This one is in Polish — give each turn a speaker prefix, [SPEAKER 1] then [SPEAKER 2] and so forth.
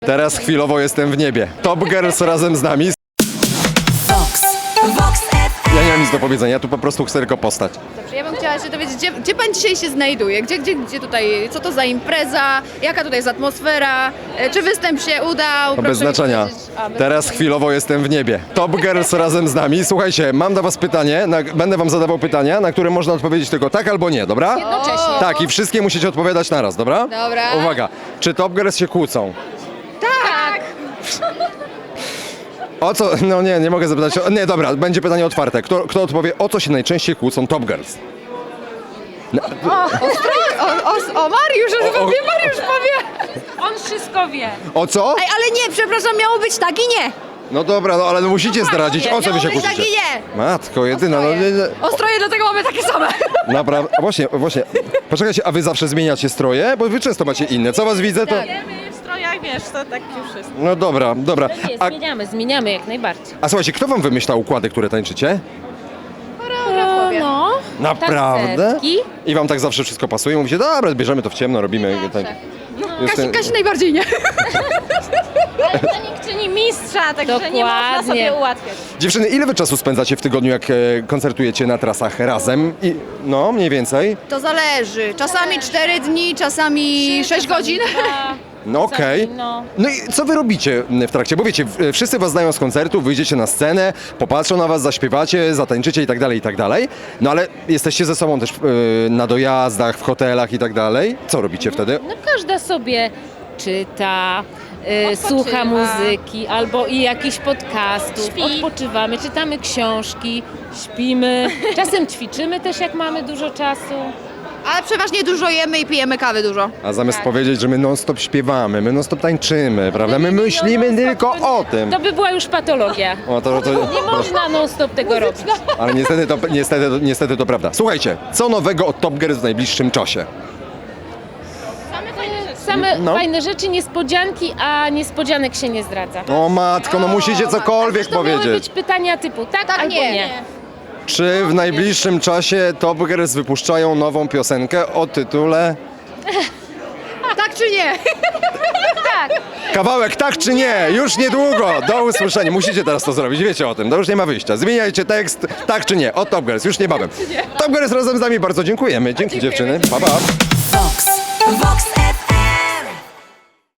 [SPEAKER 1] Teraz chwilowo jestem w niebie. Top Girls razem z nami. Ja nie mam nic do powiedzenia, ja tu po prostu chcę tylko postać.
[SPEAKER 2] Dobrze, ja bym chciała się dowiedzieć, gdzie pan dzisiaj się znajduje? Gdzie tutaj, co to za impreza? Jaka tutaj jest atmosfera? Czy występ się udał?
[SPEAKER 1] To bez
[SPEAKER 2] Proszę mi
[SPEAKER 1] znaczenia.
[SPEAKER 2] powiedzieć. Bez
[SPEAKER 1] Teraz
[SPEAKER 2] znaczenia.
[SPEAKER 1] chwilowo jestem w niebie. Top Girls razem z nami. Słuchajcie, mam do was pytanie, będę wam zadawał pytania, na które można odpowiedzieć tylko tak albo nie, dobra?
[SPEAKER 2] Jednocześnie.
[SPEAKER 1] Tak, i wszystkie musicie odpowiadać naraz, dobra?
[SPEAKER 2] Dobra.
[SPEAKER 1] Uwaga, czy Top Girls się kłócą?
[SPEAKER 2] Tak!
[SPEAKER 1] O co? No nie mogę zapytać. Nie, dobra, będzie pytanie otwarte. Kto odpowie, o co się najczęściej kłócą Top Girls?
[SPEAKER 2] O Mariusz, pewnie Mariusz powie!
[SPEAKER 3] On wszystko wie.
[SPEAKER 1] O co?
[SPEAKER 2] Ej, ale nie, przepraszam, miało być tak i nie!
[SPEAKER 1] No dobra, no ale musicie zdradzić, o co wy się
[SPEAKER 2] Miało być tak
[SPEAKER 1] kłócicie?
[SPEAKER 2] i nie!
[SPEAKER 1] Matko jedyna, no nie.
[SPEAKER 2] Ostroje, dlatego mamy takie same!
[SPEAKER 1] Naprawdę, właśnie. Poczekajcie, a wy zawsze zmieniacie stroje? Bo wy często macie inne. Co was widzę, to...
[SPEAKER 3] My w strojach, wiesz, to tak już wszystko.
[SPEAKER 1] No dobra.
[SPEAKER 3] Nie, zmieniamy jak najbardziej.
[SPEAKER 1] A słuchajcie, kto wam wymyślał układy, które tańczycie?
[SPEAKER 3] No,
[SPEAKER 1] Naprawdę?
[SPEAKER 3] tancerki.
[SPEAKER 1] I wam tak zawsze wszystko pasuje? Mówicie, dobra, bierzemy to w ciemno, robimy...
[SPEAKER 2] Kasi najbardziej nie.
[SPEAKER 3] To nikt czyni mistrza, także nie można
[SPEAKER 4] Dokładnie.
[SPEAKER 3] sobie ułatwiać.
[SPEAKER 1] Dziewczyny, ile wy czasu spędzacie w tygodniu, jak koncertujecie na trasach razem? No, mniej więcej.
[SPEAKER 2] To zależy. Czasami 4 dni, czasami 6 godzin.
[SPEAKER 1] No okej.
[SPEAKER 3] No.
[SPEAKER 1] No i co wy robicie w trakcie? Bo wiecie, wszyscy was znają z koncertu, wyjdziecie na scenę, popatrzą na was, zaśpiewacie, zatańczycie i tak dalej, i tak dalej. No ale jesteście ze sobą też na dojazdach, w hotelach i tak dalej. Co robicie wtedy?
[SPEAKER 3] No każda sobie czyta, słucha muzyki albo i jakichś podcastów,
[SPEAKER 4] Śpi.
[SPEAKER 3] odpoczywamy, czytamy książki, śpimy, czasem ćwiczymy też jak mamy dużo czasu.
[SPEAKER 2] Ale przeważnie dużo jemy i pijemy kawy dużo.
[SPEAKER 1] A zamiast powiedzieć, że my non-stop śpiewamy, my non-stop tańczymy, prawda? My myślimy tylko o tym.
[SPEAKER 3] To by była już patologia.
[SPEAKER 1] O,
[SPEAKER 3] Nie można non-stop tego robić.
[SPEAKER 1] Ale niestety to prawda. Słuchajcie, co nowego od Top Girls w najbliższym czasie?
[SPEAKER 3] Same
[SPEAKER 1] No.
[SPEAKER 3] fajne rzeczy, niespodzianki, a niespodzianek się nie zdradza.
[SPEAKER 1] O matko, no musicie cokolwiek
[SPEAKER 3] To miały
[SPEAKER 1] powiedzieć.
[SPEAKER 3] być pytania typu tak,
[SPEAKER 2] Tak,
[SPEAKER 3] albo
[SPEAKER 2] nie.
[SPEAKER 3] nie.
[SPEAKER 1] Czy w najbliższym czasie Top Girls wypuszczają nową piosenkę o tytule...
[SPEAKER 2] Tak czy nie?
[SPEAKER 1] Kawałek tak czy nie? Już niedługo. Do usłyszenia. Musicie teraz to zrobić, wiecie o tym. To już nie ma wyjścia. Zmieniajcie tekst tak czy nie. Od Top Girls, już niebawem. Top Girls razem z nami bardzo dziękujemy. Dzięki dziewczyny. Pa, pa.
[SPEAKER 5] Vox